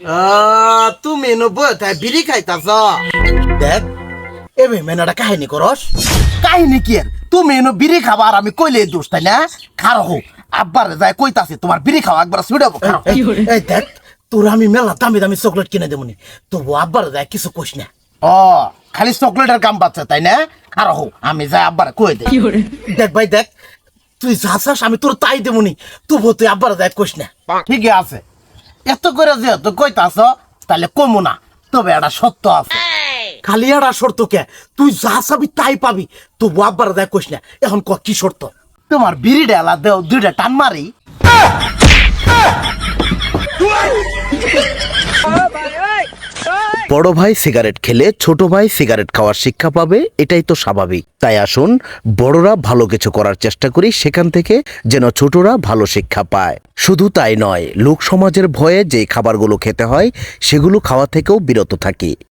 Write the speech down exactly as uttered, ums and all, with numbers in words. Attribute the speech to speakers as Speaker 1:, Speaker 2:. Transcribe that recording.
Speaker 1: আহ, তুমি এনো বইতে বিড়ি খাইতাছ দেখ এবে মেনাটা কাহিনী করস কাহিনী কি আর তুমি এনো বিড়ি খাবা আর আমি কইলে দোষ তাই না খারো হোক আব্বার যায় কইতাছে তোমার বিড়ি খাওয়া একবার ছুড়াবো এই দেখ তোর আমি মেলা দামি দামি চকলেট কিনে দেবনি তবু আব্বার যায় কিছু কইস না ও খালি চকলেটের কাম পাচ্ছে তাই না খারো হোক আমি যাই আব্বার কই দে দেখ ভাই দেখ তুই যা চাস আমি তোর তাই দেবনি তবু তুই আব্বার যায় কইস না ঠিকই আছে এত করে যেহেতু কইতাছ তাহলে কমু না তবে এটা সত্য আছে খালি এটা শর্ত কে তুই যা চাবি তাই পাবি তবু আব্বার যায় কইস না এখন ক কি শর্ত তোমার বিড়ি ডালা দেও দুইটা টান মারি
Speaker 2: বড় ভাই সিগারেট খেলে ছোট ভাই সিগারেট খাওয়ার শিক্ষা পাবে, এটাই তো স্বাভাবিক। তাই আসুন বড়রা ভালো কিছু করার চেষ্টা করি, সেখান থেকে যেন ছোটরা ভালো শিক্ষা পায়। শুধু তাই নয়, লোক সমাজের ভয়ে যে খাবারগুলো খেতে হয় সেগুলো খাওয়া থেকেও বিরত থাকি।